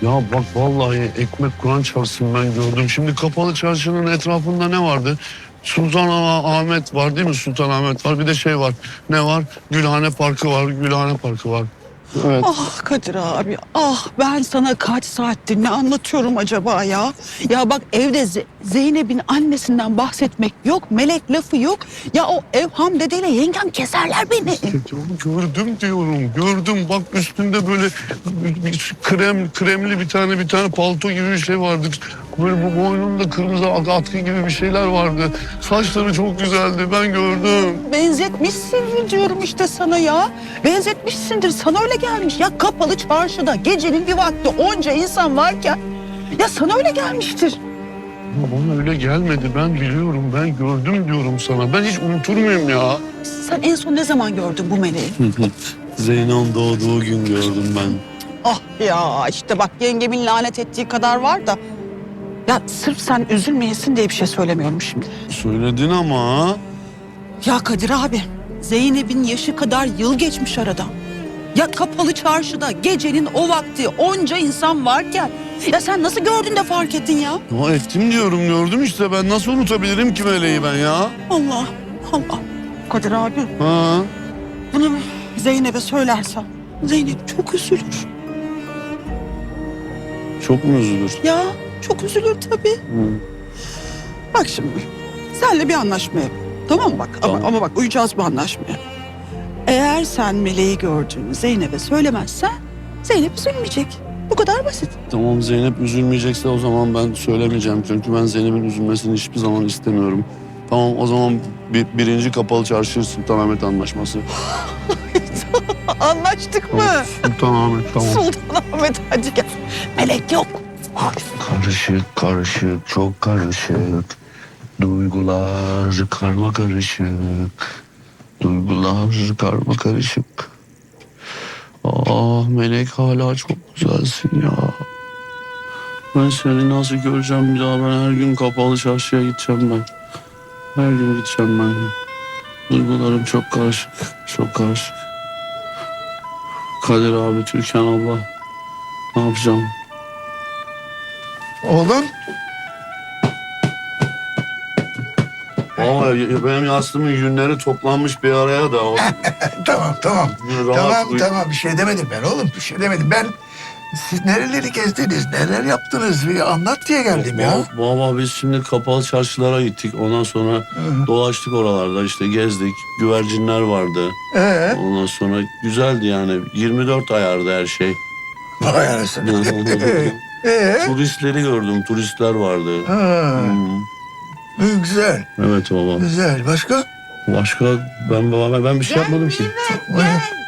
Ya bak vallahi ekmek Kur'an çarpsın ben gördüm. Şimdi kapalı çarşının etrafında ne vardı? Sultanahmet var değil mi? Sultanahmet var. Bir de şey var. Ne var? Gülhane Parkı var. Gülhane Parkı var. Evet. Ah Kadir abi, ah ben sana kaç saattir ne anlatıyorum acaba ya? Ya bak evde Zeynep'in annesinden bahsetmek yok, melek lafı yok. Ya o Evham dedeyle yengem keserler beni. Gördüm diyorum. Gördüm. Bak üstünde böyle kremli bir tane palto gibi bir şey vardı. Böyle bu boynunda kırmızı atkı gibi bir şeyler vardı. Saçları çok güzeldi. Ben gördüm. Benzetmişsindir diyorum işte sana ya. Benzetmişsindir, sana öyle gelmiş. Ya kapalı çarşıda gecenin bir vakti onca insan varken ya sana öyle gelmiştir. Ama bana öyle gelmedi. Ben biliyorum. Ben gördüm diyorum sana. Ben hiç unutur muyum ya? Sen en son ne zaman gördün bu meleği? Zeynep'in doğduğu gün gördüm ben. Ah ya işte bak yengemin lanet ettiği kadar var da. Ya sırf sen üzülmeyesin diye bir şey söylemiyorum şimdi. Söyledin ama. Ya Kadir abi, Zeynep'in yaşı kadar yıl geçmiş aradan. Ya kapalı çarşıda gecenin o vakti onca insan varken ya sen nasıl gördün de fark ettin ya? Ya ettim diyorum gördüm işte. Ben nasıl unutabilirim ki meleği ben ya? Allah Allah. Kadir abi, Ha? bunu Zeynep'e söylersen Zeynep çok üzülür. Çok mu üzülür? Ya çok üzülür tabii. Bak şimdi senle bir anlaşma yap. Tamam mı bak? Tamam. Ama bak uyacağız bu anlaşmaya. Eğer sen meleği gördüğünü Zeynep'e söylemezsen Zeynep üzülmeyecek. Bu kadar basit. Tamam Zeynep üzülmeyecekse o zaman ben söylemeyeceğim. Çünkü ben Zeynep'in üzülmesini hiçbir zaman istemiyorum. Tamam o zaman birinci kapalı çarşı Sultanahmet Anlaşması. Anlaştık mı? Sultanahmet tamam. Sultanahmet hadi gel. Melek yok. Karışık karışık çok karışık. Duygular karma karışık. Duygular karma karışık. Ah Melek hala çok güzelsin ya. Ben seni nasıl göreceğim bir daha? Ben her gün kapalı çarşıya gideceğim ben. Her gün gideceğim ben. Duygularım çok karışık. Çok karışık. Kadir abi, Türkan abla. Ne yapacağım? Oğlum, Vallahi benim yastığımın yünleri toplanmış bir araya da. tamam. Rahat uyu- Tamam, bir şey demedim ben oğlum, bir şey demedim. Ben, siz nereleri gezdiniz, neler yaptınız bir anlat diye geldim ya. Baba biz şimdi kapalı çarşılara gittik. Ondan sonra dolaştık oralarda işte gezdik. Güvercinler vardı. Ondan sonra güzeldi yani. 24 ayardı her şey. Vay anasını. Turistleri gördüm. Turistler vardı. Ha, güzel, Evet baba. güzel. Başka? Başka ben bir şey yapmadım ki. Gel.